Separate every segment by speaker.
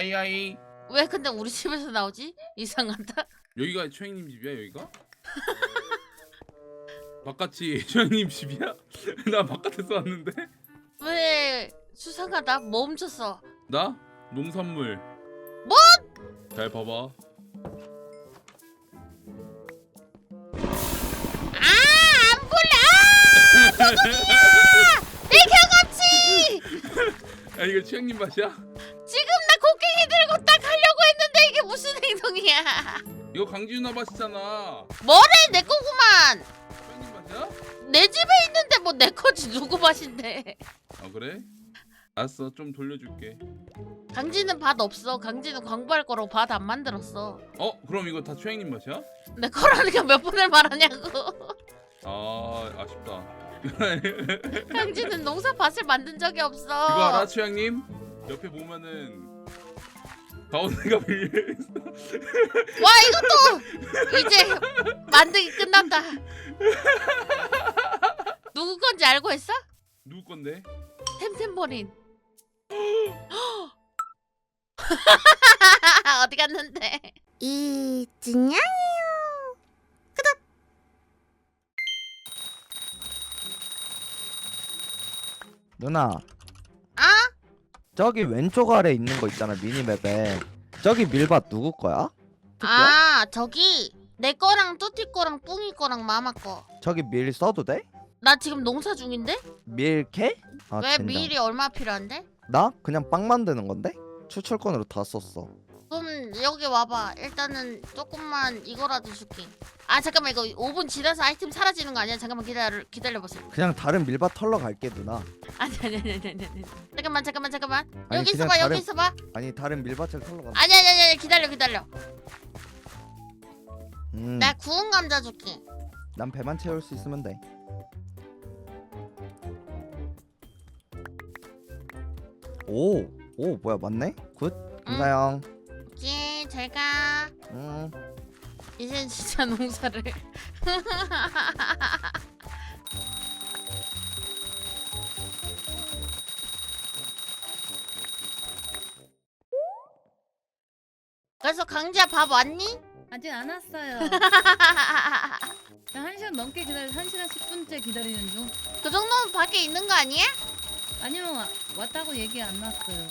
Speaker 1: 아이.
Speaker 2: 왜 근데 우리 집에서 나오지? 이상하다.
Speaker 1: 여기가 최영님 집이야 여기가? 바깥이 최영님 집이야? 나 바깥에서 왔는데?
Speaker 2: 왜 수상하다. 뭐 훔쳤어?
Speaker 1: 나? 농산물.
Speaker 2: 뭐?
Speaker 1: 잘 봐봐.
Speaker 2: 안 볼래. 누구야? 내 경험치.
Speaker 1: 아 이거 최영님 맛이야?
Speaker 2: 지금 나 곡괭이 들고 딱 하려고 했는데 이게 무슨 행동이야?
Speaker 1: 이거 강지윤아 맛이잖아.
Speaker 2: 뭐래 내 거구만.
Speaker 1: 최영님 맛이야?
Speaker 2: 내 집에 있는데 뭐 내 거지 누구 맛인데?
Speaker 1: 아 그래? 알았어 좀 돌려줄게.
Speaker 2: 강진은 밭 없어. 강진은 광고할 거라고 밭 안 만들었어.
Speaker 1: 그럼 이거 다 최영님 맛이야?
Speaker 2: 내 거라니까 몇 번을 말하냐고.
Speaker 1: 아 아쉽다.
Speaker 2: 강진은 농사 밭을 만든 적이 없어.
Speaker 1: 그거 알아 최영님? 옆에 보면은 가운데가 밀려있어.
Speaker 2: 와 이것도 이제 만들기 끝났다. 누구 건지 알고 했어?
Speaker 1: 누구 건데?
Speaker 2: 템템버린. 어디 갔는데? 이진양이요.
Speaker 3: 누나,
Speaker 2: 아?
Speaker 3: 저기 왼쪽 아래 있는 거 있잖아, 미니맵에. 저기 밀밭 누구 거야?
Speaker 2: 아 저기 내 거랑 뚜띠 거랑 뿡이 거랑 마마 거.
Speaker 3: 저기 밀 써도 돼?
Speaker 2: 나 지금 농사 중인데?
Speaker 3: 밀 캐? 아,
Speaker 2: 왜
Speaker 3: 젠장.
Speaker 2: 밀이 얼마 필요한데?
Speaker 3: 나? 그냥 빵 만드는 건데? 추출권으로 다 썼어.
Speaker 2: 그럼 여기 와봐. 일단은 조금만 이거라도 줄게. 아 잠깐만 이거 5분 지나서 아이템 사라지는 거 아니야? 잠깐만 기다려보세요.
Speaker 3: 그냥 다른 밀밭 털러 갈게, 누나.
Speaker 2: 아니. 잠깐만.
Speaker 3: 아니,
Speaker 2: 여기
Speaker 3: 그냥
Speaker 2: 있어봐
Speaker 3: 다른-
Speaker 2: 여기 있어봐.
Speaker 3: 아니, 다른 밀밭을 털러 간다.
Speaker 2: 아니 기다려.
Speaker 3: 음,
Speaker 2: 나 구운 감자 줄게.
Speaker 3: 난 배만 채울 수 있으면 돼. 오, 뭐야, 맞네? 굿, 감사형.
Speaker 2: 오케이 잘가. 이젠 진짜 농사를. 그래서 강지야 밥 왔니?
Speaker 4: 아직 안 왔어요. 나 1시간 넘게 기다려. 1시간 10분째 기다리는 중.
Speaker 2: 그 정도면 밖에 있는 거 아니야?
Speaker 4: 아니요, 왔다고 얘기 안 났어요.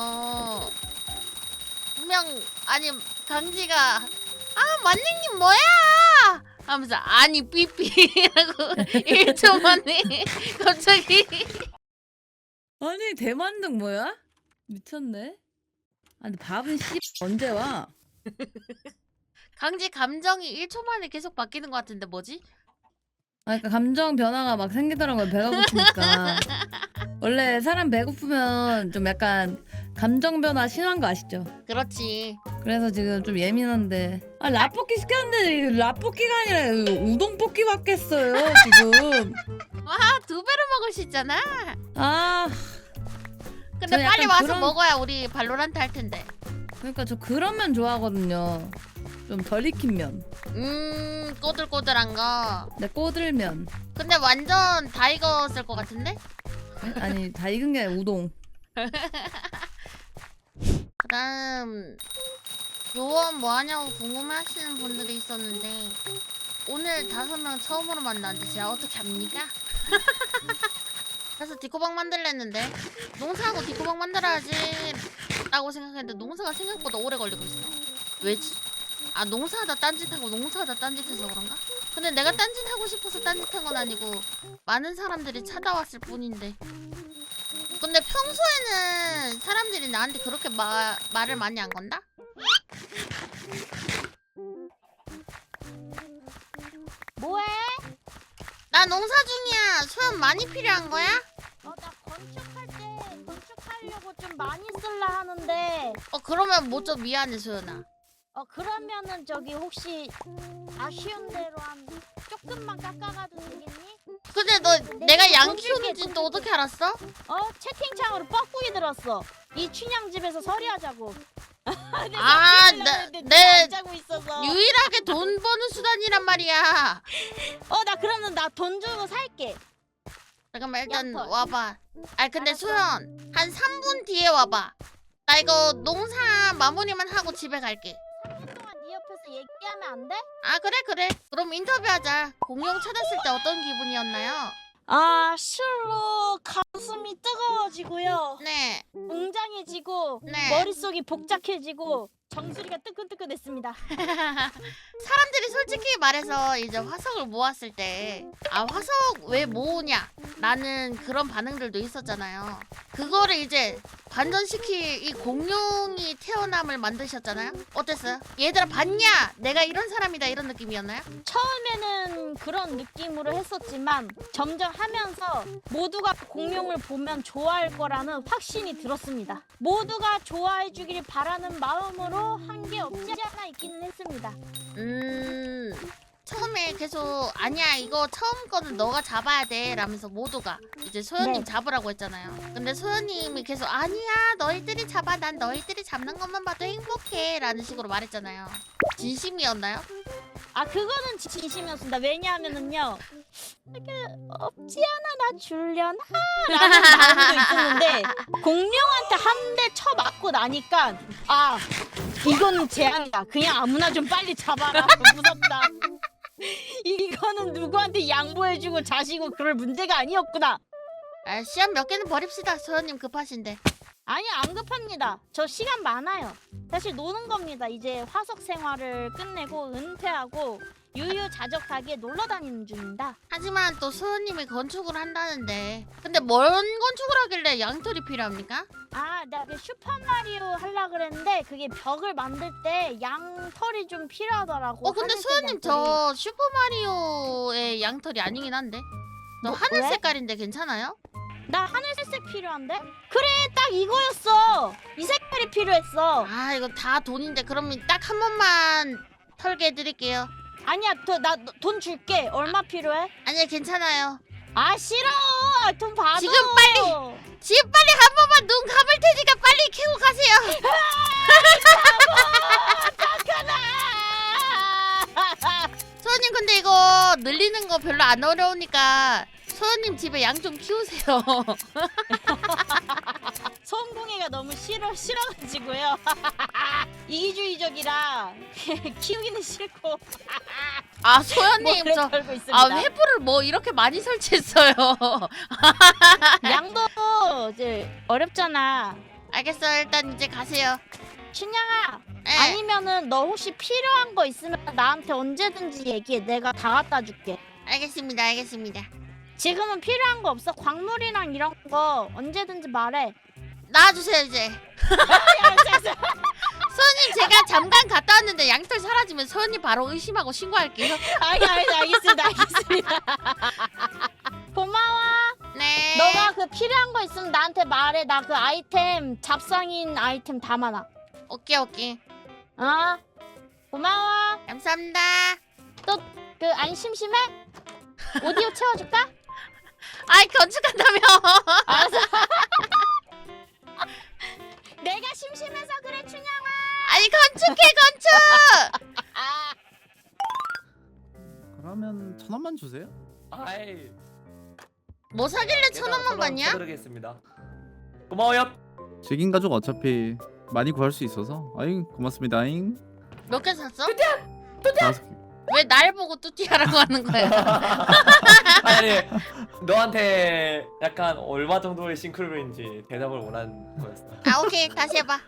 Speaker 2: 분명 아니 강지가 만능님 뭐야? 하면서 아니 삐삐라고 1초 만에 갑자기.
Speaker 4: 아니 대만등 뭐야? 미쳤네. 아니 밥은 언제 와?
Speaker 2: 강지 감정이 1초 만에 계속 바뀌는 것 같은데 뭐지?
Speaker 4: 그러니까 감정 변화가 막 생기더라고요. 배가 고프니까. 원래 사람 배고프면 좀 약간 감정 변화 심한 거 아시죠?
Speaker 2: 그렇지.
Speaker 4: 그래서 지금 좀 예민한데. 라볶이 시켰는데 라볶이가 아니라 우동 볶이 받겠어요 지금.
Speaker 2: 와 2배로 먹을 수 있잖아.
Speaker 4: 아
Speaker 2: 근데
Speaker 4: 저
Speaker 2: 빨리
Speaker 4: 약간
Speaker 2: 와서
Speaker 4: 그런-
Speaker 2: 먹어야 우리 발로란트 할 텐데.
Speaker 4: 그러니까 저 그런 면 좋아하거든요. 좀 덜 익힌 면.
Speaker 2: 꼬들꼬들한 거.
Speaker 4: 내 꼬들면.
Speaker 2: 근데 완전 다 익었을 것 같은데?
Speaker 4: 아니 다 익은 게 아니라 우동.
Speaker 2: 그다음 요원 뭐 하냐고 궁금해하시는 분들이 있었는데 오늘 5명 처음으로 만났는데 제가 어떻게 합니까? 그래서 디코방 만들랬는데 농사하고 디코방 만들어야지 라고 생각했는데 농사가 생각보다 오래 걸리고 있어. 왜지? 아 농사하다 딴짓하고 농사하다 딴짓해서 그런가? 근데 내가 딴짓하고 싶어서 딴짓한 건 아니고 많은 사람들이 찾아왔을 뿐인데. 근데 평소에는 사람들이 나한테 그렇게 말을 많이 안 건다? 뭐해? 나 농사 중이야. 소연 많이 필요한 거야?
Speaker 5: 나 건축할 때 건축하려고 좀 많이 쓸라 하는데
Speaker 2: 그러면 뭐 좀 미안해 소연아.
Speaker 5: 그러면은 저기 혹시 아쉬운 대로 한 조금만 깎아가도 되겠니?
Speaker 2: 근데 너 내가 양
Speaker 5: 돈
Speaker 2: 키우는지
Speaker 5: 줄게,
Speaker 2: 또
Speaker 5: 돈
Speaker 2: 어떻게 알았어?
Speaker 5: 채팅창으로 뻐꾸기 들었어. 이 춘향 집에서 서리하자고.
Speaker 2: 내
Speaker 5: 자고 있어서.
Speaker 2: 유일하게 돈 버는 수단이란 말이야.
Speaker 5: 나 그러면 나 돈 주고 살게.
Speaker 2: 잠깐만 일단
Speaker 5: 양털.
Speaker 2: 와봐. 아 근데
Speaker 5: 알았어.
Speaker 2: 소연 한 3분 뒤에 와봐. 나 이거 농사 마무리만 하고 집에 갈게.
Speaker 5: 3분 동안 네 옆에서 얘기하면 안 돼?
Speaker 2: 아 그래. 그럼 인터뷰하자. 공룡 찾았을 때 어떤 기분이었나요?
Speaker 5: 아 실로 가슴이 뜨거워지고요.
Speaker 2: 네.
Speaker 5: 웅장해지고
Speaker 2: 네.
Speaker 5: 머릿속이 복잡해지고 정수리가 뜨끈뜨끈했습니다.
Speaker 2: 사람들이 솔직히 말해서 이제 화석을 모았을 때 아 화석 왜 모으냐 라는 그런 반응들도 있었잖아요. 그거를 이제 반전시킬 이 공룡이 태어남을 만드셨잖아요. 어땠어요? 얘들아 봤냐? 내가 이런 사람이다 이런 느낌이었나요?
Speaker 5: 처음에는 그런 느낌으로 했었지만 점점 하면서 모두가 공룡을 보면 좋아할 거라는 확신이 들었습니다. 모두가 좋아해 주길 바라는 마음으로 한 게 없지 않아 있기는 했습니다.
Speaker 2: 처음에 계속 아니야 이거 처음 거는 너가 잡아야 돼 라면서 모두가 이제 소연님
Speaker 5: 네.
Speaker 2: 잡으라고 했잖아요. 근데 소연님이 계속 아니야 너희들이 잡아 난 너희들이 잡는 것만 봐도 행복해 라는 식으로 말했잖아요. 진심이었나요?
Speaker 5: 아 그거는 진심이었습니다. 왜냐하면은요 이게 없지 않아 나 줄려나 라는 마음도 있었는데 공룡한테 한 대 쳐맞고 나니까 아 이거는 재앙이다. 그냥 아무나 좀 빨리 잡아라. 무섭다. 이거는 누구한테 양보해주고 자시고 그럴 문제가 아니었구나.
Speaker 2: 아, 시험 몇 개는 버립시다. 소연님 급하신데.
Speaker 5: 아니 안 급합니다. 저 시간 많아요. 사실 노는 겁니다. 이제 화석 생활을 끝내고 은퇴하고 유유자적하게 놀러 다니는 중입니다.
Speaker 2: 하지만 또 소연님이 건축을 한다는데 근데 뭔 건축을 하길래 양털이 필요합니까?
Speaker 5: 아, 나 그 슈퍼마리오 하려고 그랬는데 그게 벽을 만들 때 양털이 좀 필요하더라고.
Speaker 2: 근데
Speaker 5: 하늘색
Speaker 2: 소연님
Speaker 5: 양털이.
Speaker 2: 저 슈퍼마리오의 양털이 아니긴 한데 저 하늘
Speaker 5: 왜?
Speaker 2: 색깔인데 괜찮아요?
Speaker 5: 나 하늘색 필요한데? 그래 딱 이거였어. 이 색깔이 필요했어.
Speaker 2: 아 이거 다 돈인데 그러면 딱 한 번만 털게 해드릴게요.
Speaker 5: 아니야 나 돈 줄게. 얼마 필요해?
Speaker 2: 아니야 괜찮아요.
Speaker 5: 아 싫어. 돈 받아.
Speaker 2: 지금 빨리! 지금 빨리 한 번만 눈 감을 테니까 빨리 캐고 가세요. 소연님 근데 이거 늘리는 거 별로 안 어려우니까 소연님 집에 양 좀 키우세요.
Speaker 5: 성공회가 너무 싫어가지고요. 이기주의적이라 키우기는 싫고
Speaker 2: 아 소연님
Speaker 5: 몰래
Speaker 2: 저
Speaker 5: 털고 있습니다.
Speaker 2: 아 횃불을 뭐 이렇게 많이 설치했어요.
Speaker 5: 양도 이제 어렵잖아.
Speaker 2: 알겠어요. 일단 이제 가세요.
Speaker 5: 춘향아
Speaker 2: 네.
Speaker 5: 아니면은 너 혹시 필요한 거 있으면 나한테 언제든지 얘기해. 내가 다 갖다 줄게.
Speaker 2: 알겠습니다. 알겠습니다.
Speaker 5: 지금은 필요한 거 없어? 광물이랑 이런 거 언제든지 말해.
Speaker 2: 나와주세요 이제. 소연님 제가 잠깐 갔다 왔는데 양털 사라지면 소연님 바로 의심하고 신고할게요.
Speaker 5: 알겠습니다. 고마워.
Speaker 2: 네.
Speaker 5: 너가 그 필요한 거 있으면 나한테 말해. 나 그 아이템 잡상인 아이템 다 많아.
Speaker 2: 오케이.
Speaker 5: 어? 고마워.
Speaker 2: 감사합니다.
Speaker 5: 그 안 심심해? 오디오 채워줄까?
Speaker 2: 아이 건축한다며.
Speaker 5: 알았어. 내가 심심해서 그래 춘향아.
Speaker 2: 아니 건축해 건축.
Speaker 6: 그러면 1,000원만 주세요.
Speaker 7: 아이.
Speaker 2: 뭐 사길래 1,000원만 받냐?
Speaker 7: 드리겠습니다. 고마워요.
Speaker 6: 직인 가족 어차피 많이 구할 수 있어서 아이 고맙습니다잉.
Speaker 2: 몇 개 샀어?
Speaker 6: 5개.
Speaker 2: 왜 날 보고 뚜띠하라고 하는 거야?
Speaker 7: 아니 너한테 약간 얼마 정도의 싱크로인지 대답을 원하는 거였어.
Speaker 2: 아 오케이 다시 해봐.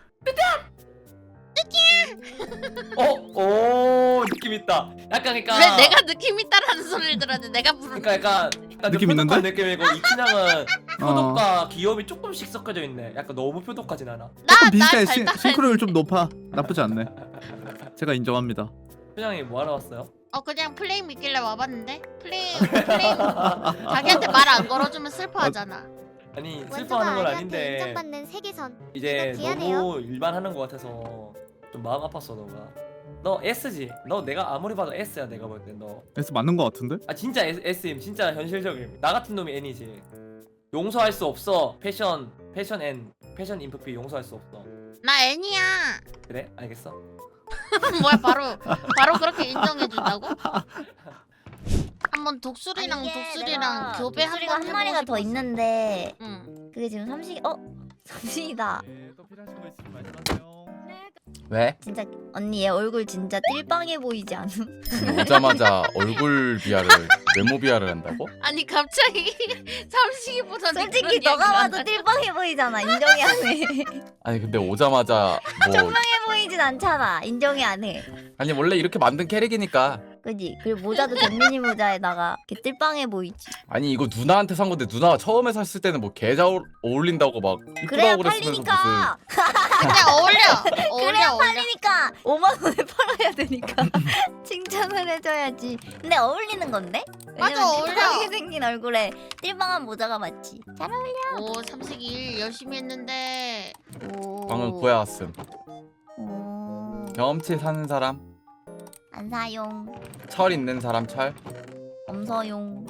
Speaker 7: 오 느낌 있다. 약간 그러니까.
Speaker 2: 왜 내가 느낌 있다라는 소리를 들었는데 내가 부른
Speaker 7: 그러니까 약간
Speaker 6: 느낌 있는데?
Speaker 7: 느낌이고 이 춘향은 표독과 기업이 조금씩 섞여져 있네. 약간 너무 표독하진 않아.
Speaker 6: 약간 비슷해.
Speaker 2: 잘 따라
Speaker 6: 싱크로율 좀 높아. 나쁘지 않네. 제가 인정합니다.
Speaker 7: 춘향이 뭐 하러 왔어요?
Speaker 2: 그냥 플레임 있길래 와봤는데 플레임 자기한테 말 안 걸어주면 슬퍼하잖아.
Speaker 7: 아니 슬퍼하는 건 아닌데
Speaker 5: 인정받는 세계선.
Speaker 7: 이제
Speaker 5: 귀하네요.
Speaker 7: 너무 일반하는 것 같아서 좀 마음 아팠어 너가. 너 S지? 너 내가 아무리 봐도 S야 내가 볼 땐 너.
Speaker 6: 그래서 맞는 거 같은데?
Speaker 7: 아 진짜 S임. 진짜 현실적임. 나 같은 놈이 N이지. 용서할 수 없어. 패션 N. 패션 인프피 용서할 수 없어.
Speaker 2: 나 애니야.
Speaker 7: 그래? 알겠어.
Speaker 2: 뭐야 바로 그렇게 인정해준다고? 한번 독수리랑 교배
Speaker 8: 독수리가
Speaker 2: 한번
Speaker 8: 한 마리가 더 있는데
Speaker 2: 응.
Speaker 8: 그게 지금 삼식이다.
Speaker 6: 네, 또 필요하신 거 있으면
Speaker 8: 왜?
Speaker 5: 진짜 언니 얘 얼굴 진짜 띨빵해 보이지 않음?
Speaker 8: 오자마자 얼굴 비하를 외모 비하를 한다고?
Speaker 2: 아니 갑자기 삼식이보다
Speaker 5: 솔직히 너가 봐도 띨빵해 보이잖아. 인정이 안 해.
Speaker 8: 아니 근데 오자마자 뭐
Speaker 5: 쩡명해 보이진 않잖아. 인정이 안 해.
Speaker 8: 아니 원래 이렇게 만든 캐릭이니까.
Speaker 5: 그지? 그리고 모자도 잼민이 모자에다가 이렇게 띨빵해 보이지.
Speaker 8: 아니 이거 누나한테 산 건데 누나가 처음에 샀을 때는 뭐 개 잘 어울린다고 막
Speaker 5: 그래야
Speaker 8: 이쁘다고 그랬으면서
Speaker 5: 팔리니까.
Speaker 2: 근데 어울려.
Speaker 5: 그래야
Speaker 2: 어울려.
Speaker 5: 팔리니까 5만 원에 팔아야 되니까 칭찬을 해줘야지. 근데 어울리는 건데?
Speaker 2: 맞아,
Speaker 5: 왜냐면
Speaker 2: 어울려.
Speaker 5: 띨빵하게 생긴 얼굴에 띨빵한 모자가 맞지. 잘 어울려.
Speaker 2: 오 삼식이 일 열심히 했는데.
Speaker 5: 오.
Speaker 8: 방금 구해왔음.
Speaker 5: 오.
Speaker 8: 경험치 사는 사람,
Speaker 5: 안 사용.
Speaker 8: 철 있는 사람 철.
Speaker 5: 엄서용.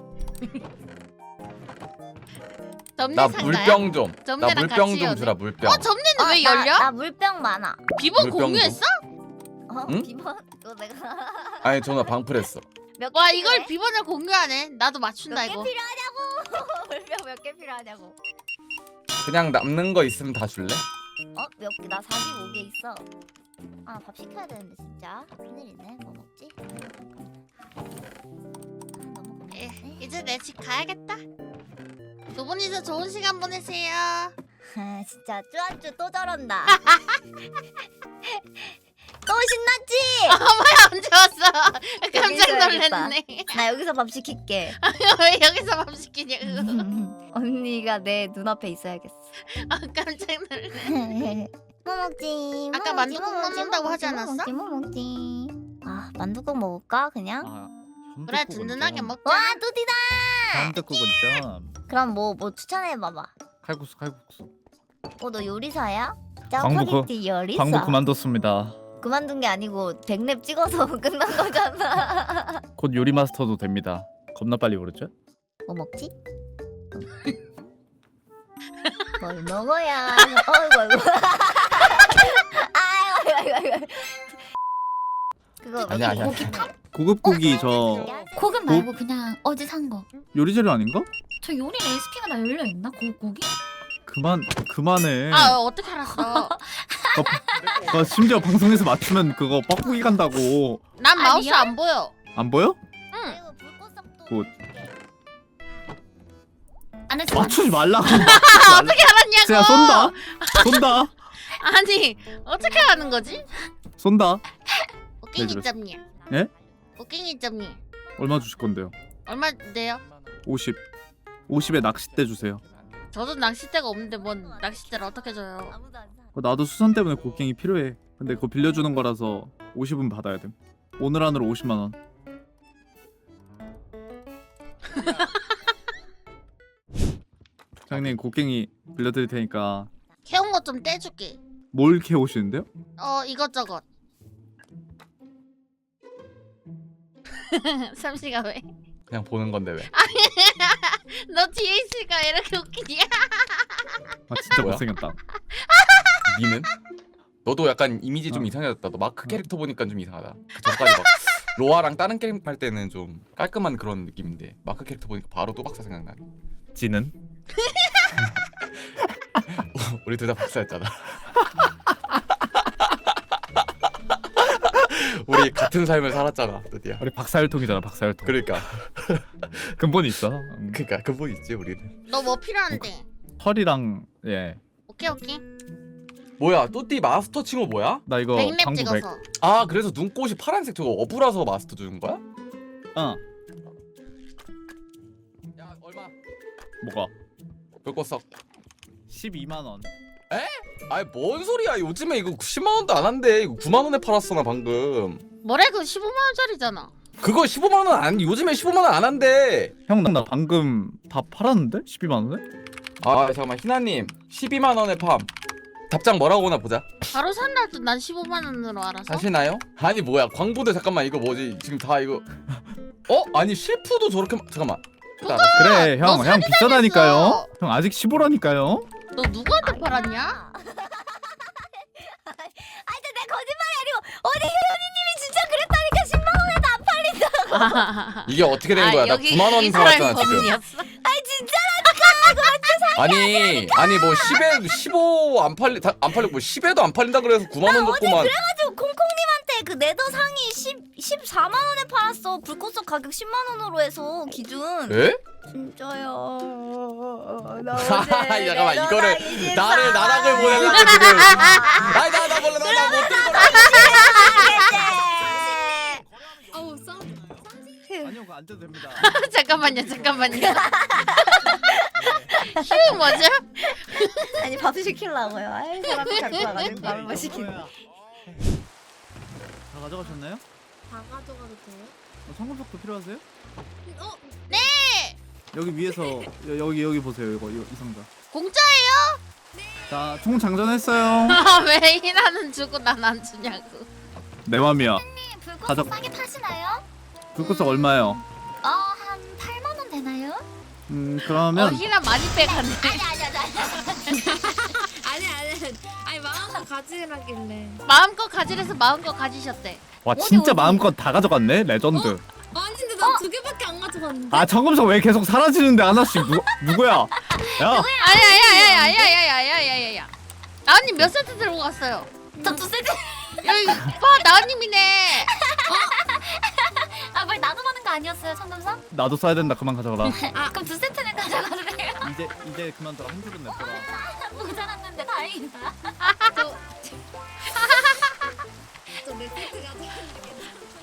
Speaker 2: 점례
Speaker 8: 나
Speaker 2: 상가요?
Speaker 8: 물병 좀. 나
Speaker 2: 점례랑
Speaker 8: 물병
Speaker 2: 같이
Speaker 8: 좀
Speaker 2: 연애?
Speaker 8: 주라 물병.
Speaker 2: 점례는 왜 열려?
Speaker 5: 나 물병 많아.
Speaker 2: 비번
Speaker 8: 물병도?
Speaker 2: 공유했어?
Speaker 8: 응?
Speaker 5: 비번 이거 내가
Speaker 8: 아니 전화 방풀했어.
Speaker 5: 몇
Speaker 2: 와
Speaker 5: 개
Speaker 2: 이걸
Speaker 5: 필요해?
Speaker 2: 비번을 공유하네. 나도 맞춘다
Speaker 5: 몇 개
Speaker 2: 이거.
Speaker 5: 필요하냐고. 물병 몇 개 필요하냐고.
Speaker 8: 그냥 남는 거 있으면 다 줄래?
Speaker 5: 몇 개? 나 45개 있어. 아, 밥 시켜야 되는데 진짜. 큰일이네. 뭐 먹지? 너무 고민이네.
Speaker 2: 이제 내 집 가야겠다. 두 분이서 좋은 시간 보내세요.
Speaker 5: 아, 진짜 쭈아쭈 또 저런다. 또 신났지?
Speaker 2: 언제 왔어? 깜짝
Speaker 5: 있어야겠다.
Speaker 2: 놀랐네.
Speaker 5: 나 여기서 밥 시킬게.
Speaker 2: 왜 여기서 밥 시키냐고.
Speaker 5: 언니가 내 눈앞에 있어야겠어.
Speaker 2: 아 깜짝 놀랐네.
Speaker 5: 뭐 먹지? 뭐
Speaker 2: 아까
Speaker 5: 먹지?
Speaker 2: 만두국
Speaker 5: 뭐 먹지?
Speaker 2: 먹는다고
Speaker 5: 뭐
Speaker 2: 하지
Speaker 5: 먹지?
Speaker 2: 않았어?
Speaker 5: 뭐 먹지? 아, 만두국 먹을까 그냥?
Speaker 6: 아,
Speaker 2: 그래 든든하게 먹자.
Speaker 5: 와, 뚜디다!
Speaker 6: 한국국은 좀
Speaker 5: 그럼 뭐 추천해 봐봐.
Speaker 6: 칼국수.
Speaker 5: 너 요리사야?
Speaker 6: 광고
Speaker 5: 짜파게티 요리사.
Speaker 6: 광고 그만뒀습니다.
Speaker 5: 그만둔 게 아니고 100렙 찍어서 끝난 거잖아.
Speaker 6: 곧 요리 마스터도 됩니다. 겁나 빨리 오르죠?
Speaker 5: 뭐 먹지? 뭘 먹어야? 어이구. 아이고. 그거
Speaker 8: 아니야.
Speaker 6: 고급 고기 저
Speaker 9: 고급 말고 그냥 어제 산 거.
Speaker 6: 요리 재료 아닌가?
Speaker 9: 저 요리 레시피가 다 열려 있나? 고기?
Speaker 6: 그만해.
Speaker 2: 아 어떻게 알았어?
Speaker 6: 너 심지어 방송에서 맞추면 그거 뻐꾸기 간다고.
Speaker 2: 난
Speaker 9: 아,
Speaker 2: 마우스
Speaker 9: 리얼?
Speaker 2: 안 보여.
Speaker 6: 안 보여?
Speaker 2: 응.
Speaker 6: 굿.
Speaker 9: 안 했어.
Speaker 6: 맞추지 말라고.
Speaker 2: 어떻게 알았냐고.
Speaker 6: 제가 쏜다.
Speaker 2: 아니 어떻게 하는 거지?
Speaker 6: 쏜다.
Speaker 2: 웃갱이점이야.
Speaker 6: 예?
Speaker 2: 웃갱이점이.
Speaker 6: 얼마 주실 건데요?
Speaker 2: 얼마인데요?
Speaker 6: 50. 50에 낚싯대 주세요.
Speaker 2: 저도 낚싯대가 없는데 뭔 낚싯대를 어떻게 줘요?
Speaker 5: 아무도 안 사.
Speaker 6: 나도 수선 때문에 곡괭이 필요해. 근데 그거 빌려주는 거라서 50은 받아야 돼. 오늘 안으로 50만 원. 사장님 곡괭이 빌려드릴 테니까
Speaker 2: 캐온 거 좀 떼줄게.
Speaker 6: 뭘 캐오시는데요?
Speaker 2: 이것저것. 삼시가 왜?
Speaker 8: 그냥 보는 건데 왜?
Speaker 2: 너 뒤에 있으니까 이렇게 웃기냐?
Speaker 6: 아 진짜
Speaker 8: 뭐야?
Speaker 6: 못생겼다.
Speaker 8: 니는? 너도 약간 이미지 좀 이상해졌다. 너 마크 캐릭터 보니까 좀 이상하다. 그 전까지 막 로아랑 다른 게임 할 때는 좀 깔끔한 그런 느낌인데 마크 캐릭터 보니까 바로 또 박사 생각나네.
Speaker 6: 지는?
Speaker 8: 우리 둘 다 박사였잖아. 우리 같은 삶을 살았잖아, 드디어.
Speaker 6: 우리 박사혈통이잖아 박사혈통.
Speaker 8: 그러니까
Speaker 6: 근본이 있어.
Speaker 8: 그러니까 근본 있지 우리는.
Speaker 2: 너 뭐 필요한데?
Speaker 6: 털이랑 예.
Speaker 2: 오케이 오케이.
Speaker 8: 뭐야, 또띠 마스터 칭호 뭐야?
Speaker 6: 나 이거
Speaker 2: 100렙
Speaker 6: 광고 100.
Speaker 2: 찍어서.
Speaker 8: 아, 그래서 눈꽃이 파란색 저거 어부라서 마스터 주는 거야?
Speaker 6: 어.
Speaker 8: 야, 얼마?
Speaker 6: 뭐가?
Speaker 8: 별거 썩.
Speaker 6: 12만 원.
Speaker 8: 아이 뭔 소리야? 요즘에 이거 10만 원도 안 한대. 이거 9만 원에 팔았어 나 방금.
Speaker 2: 뭐래 그 15만 원짜리잖아.
Speaker 8: 그거 15만 원 안, 요즘에 15만 원 안 한대.
Speaker 6: 형 나 방금 다 팔았는데? 12만 원에?
Speaker 8: 아 잠깐만, 희나님 12만 원에 팜. 답장 뭐라고 오나 보자.
Speaker 2: 바로 산 날도 난 15만 원으로 알아서.
Speaker 8: 사시나요? 아니 뭐야, 광고들 잠깐만 이거 뭐지? 지금 다 이거. 아니 실프도 저렇게 잠깐만.
Speaker 6: 그래
Speaker 2: 너
Speaker 6: 형
Speaker 2: 사기
Speaker 6: 비싸다니까요.
Speaker 2: 당했어.
Speaker 6: 형 아직 15라니까요.
Speaker 2: 너 누구한테 팔았냐?
Speaker 5: 아니, 내 거짓말이 아니고 어디 효연이님이 진짜 그랬다니까 10만 원에도 안 팔린다.
Speaker 8: 이게 어떻게 된 거야? 나
Speaker 2: 여기
Speaker 8: 9만 원
Speaker 2: 이 사람이
Speaker 8: 팔았잖아 지금.
Speaker 2: 범인이었어?
Speaker 5: 아니 진짜라니까.
Speaker 8: 아니 뭐 10에 15 안 팔리고 뭐 10에도 안 팔린다 그래서 9만 원 줬구만.
Speaker 10: 그래가지고 콩콩님한테 그 네더 상이 14만 원에 팔았어. 불꽃석 가격 10만 원으로 해서 기준.
Speaker 8: 에?
Speaker 10: 진짜요.
Speaker 8: 잠깐만 이거를 나락을 보내려고 지금. 아니 나 몰라 나못 들고.
Speaker 6: 아니요 그거 안 떼도 됩니다.
Speaker 2: 잠깐만요. 휴 뭐죠?
Speaker 10: 아니 밥 시키려고요. 아이 사람이 잘 돌아가지고 밥을 못 시키네.
Speaker 6: 다 가져가셨나요?
Speaker 9: 다 가져가도 돼요?
Speaker 6: 청금석도 필요하세요?
Speaker 2: 네.
Speaker 6: 여기 위에서 여기 보세요. 이거 이 상자.
Speaker 2: 공짜예요?
Speaker 6: 자, 총 장전했어요.
Speaker 2: 왜 일하는 주고 난 안 주냐고.
Speaker 6: 내 맘이야.
Speaker 9: 불꽃
Speaker 6: 가져-
Speaker 9: 싸게 파시나요?
Speaker 6: 불꽃석 얼마요?
Speaker 9: 한 8만 원 되나요?
Speaker 6: 그러면
Speaker 2: 희나 많이 빼갔네.
Speaker 9: 아니 마음껏 가지라길래.
Speaker 2: 마음껏 가지래서 마음껏 가지셨대.
Speaker 6: 와 진짜 마음껏 다 가져갔네. 레전드.
Speaker 9: 아니 근데 나 2개밖에 안 가져갔는데.
Speaker 6: 아 청금석 왜 계속 사라지는데 하나씩 누구야? 야.
Speaker 2: 야야야야야야야야야야야. 나은님 몇 세트 들고 갔어요?
Speaker 9: 저 2세트.
Speaker 2: 여기 봐 나은님이네.
Speaker 9: 아 빨리 나눠가는 거 아니었어요 청담선?
Speaker 6: 나도 써야 된다. 그만 가져가라.
Speaker 9: 그럼 2세트는 가져가래요.
Speaker 6: 이제 그만둬라. 한 줄은 냈더라.
Speaker 9: 모자랐는데 다행이다. 저내 세트 가져갔는데.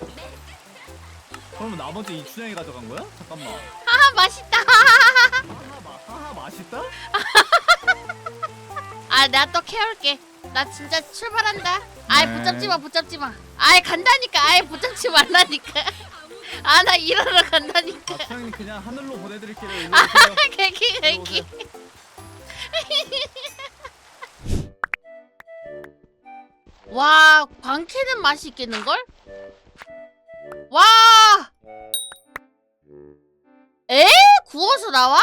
Speaker 6: 그러면 나머지 이춘향이 가져간 거야? 잠깐만.
Speaker 2: 하하 맛있다.
Speaker 6: 하하 맛있다?
Speaker 2: 아 나 또 캐올게. 나 진짜 출발한다. 아이 붙잡지 마. 아이 간다니까. 아이 붙잡지 말라니까. 아 나 일하러 간다니까.
Speaker 6: 춘향님 그냥 하늘로 보내드릴게요. 일로
Speaker 2: 아
Speaker 6: 오세요.
Speaker 2: 개기. 와 광캐는 맛이 있겠는걸? 와! 에? 구워서 나와?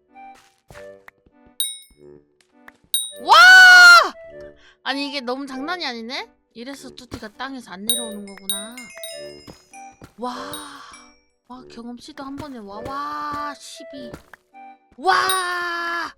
Speaker 2: 와! 아니 이게 너무 장난이 아니네? 이래서 뚜띠가 땅에서 안 내려오는 거구나. 와 경험치도 한 번에 와 12. 와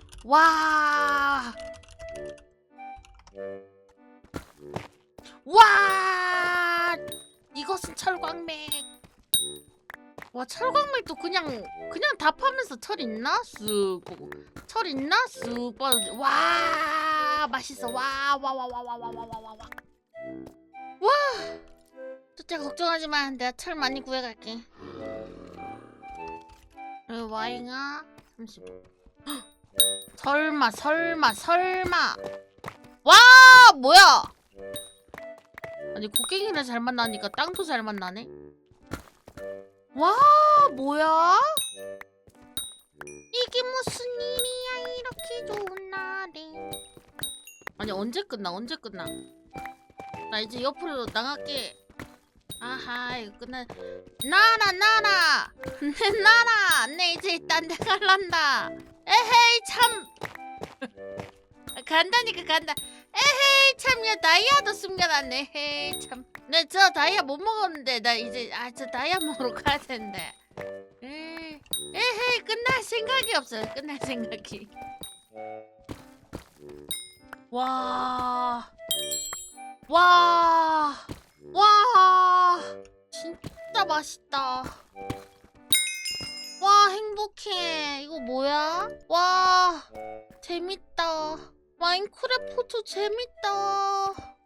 Speaker 2: 이것은 철광맥. 와 철광맥도 그냥 다 파면서 철 있나? 쓱 보고 철 있나? 쓱 봐도 와 맛있어. 와 뚜띠야 걱정하지 마. 내가 철 많이 구해갈게. 여기 와잉아 35. 설마 와 뭐야. 아니 곡괭이를 잘 만나니까 땅도 잘 만나네. 와 뭐야 이게 무슨 일이야 이렇게 좋은 날에. 아니 언제 끝나 나 이제 옆으로 나갈게. 아하 이거 끝나. 나라 내 이제 딴 데 갈란다. 에헤이 참 간다. 에헤이 참야 다이아도 숨겨놨네. 에헤이 참. 네 저 다이아 못 먹었는데 나 이제 저 다이아 먹으러 가야 되는데. 에헤이 끝날 생각이 없어요. 끝날 생각이. 와 진짜 맛있다. 와 행복해. 이거 뭐야? 와 재밌다. 마인크래프트 재밌다.